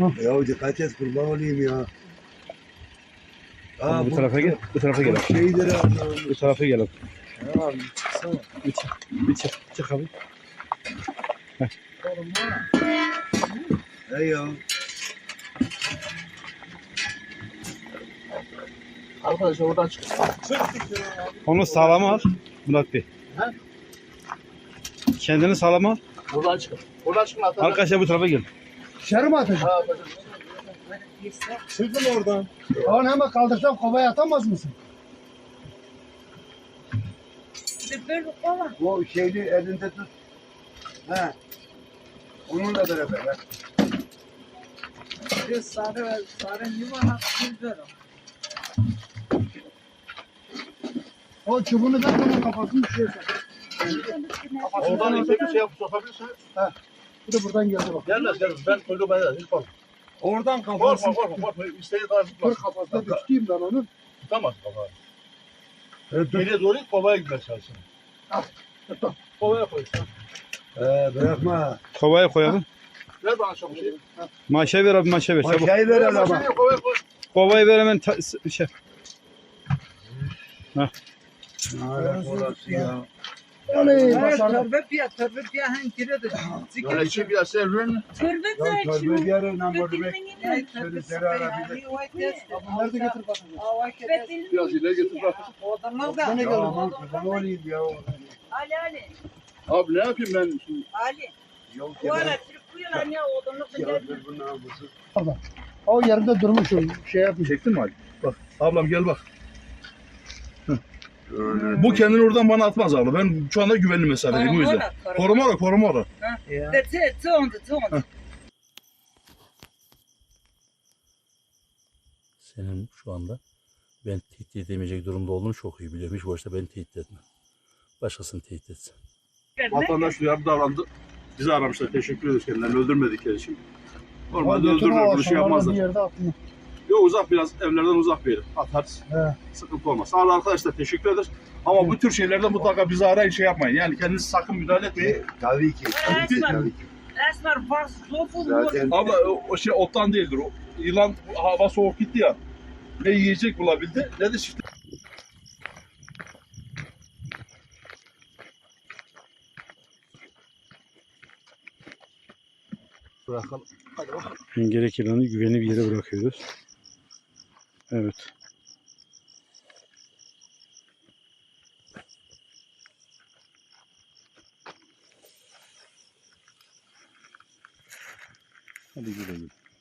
Ya dikkat et kurban olayım ya. Tamam, bu tarafa gel. Bu tarafa gel. Şeyleri Bu tarafa gel. Ya abi çıksana. Bir çık. Çık abi. Hey ya. Arkadaşlar oradan çık. Onu sağlama al. Murat Bey. He? Kendini sağlama al. Buradan çıkın. Buradan çıkın atacağım. Arkadaşlar bu tarafa gel. Dışarı mı atacağım? Ha, atacağım. Çıkın oradan. Onu hemen kaldırsam kovaya atamaz mısın? O şeyli elinde tut. He. Onunla beraber. He. O çubuğunu da onun kafasını düşürürsen. Oradan ipe bir şey yapıp sokabilirsin. Bu da buradan geldi bak. Gelmez gelmez. Ben koydum ben de. Hiç korkma. Oradan Korkma kafasını. korkma. İstediğin kadar Dur tutmaz. kafasına düştüğüm ben onun. Tutamaz kafayı. Evet, dur. Geriye doğru it, kovaya gitmeye çalışsın. Kovaya koy. Bırakma. Kovaya koyalım. Ver bana çabuk şey. Maşa ver abi, maşa ver. Çabuk. Maşayı ver ama. Kovaya koy. Kovayı ver hemen. Şey. Lanet olası ya. Oley başardım. Böyle içi biraz sevrin. Ya torba diğer namur demek. Sözleri arabilir. Nerede getir bakın. Biraz ileri getir bırak. Ya aman kurban olayım ya. Abi ne yapayım ben şimdi? Yok ya. Ya dur bu namusu. O yerinde durmuş o şey yapmış. Çektin mi Ali? Bak ablam gel bak. Bu kendini oradan bana atmaz abla. Ben şu anda güvenli mesafedeyim o yüzden. Koruma ora. Senin şu anda ben tehdit edemeyecek durumda olduğunu çok iyi biliyorum. Hiç boşta beni tehdit etme. Başkasını tehdit etsin. Vatandaş duyarlı davrandı. Bizi aramışlar. Teşekkür ederiz kendilerini öldürmedikleri için. Normalde öldürürler. Bunu şey Bir yapmazlar. yerde atma. Yok uzak biraz evlerden uzak bir yere atarız. He. Sıkıntı olmaz. Sağ olun arkadaşlar teşekkür ederiz. Ama bu tür şeylerde mutlaka bizi arayın şey yapmayın. Yani kendinizi sakın müdahale etmeyin. Tabii ki. Tabii ki. Zaten Ama o şey ottan değildir. O yılan hava soğuk gitti ya. Ne yiyecek bulabildi ne de çift. Bırakalım. Hadi bakalım. Gerek yılanı güvenli bir yere bırakıyoruz. Evet. Hadi gidelim.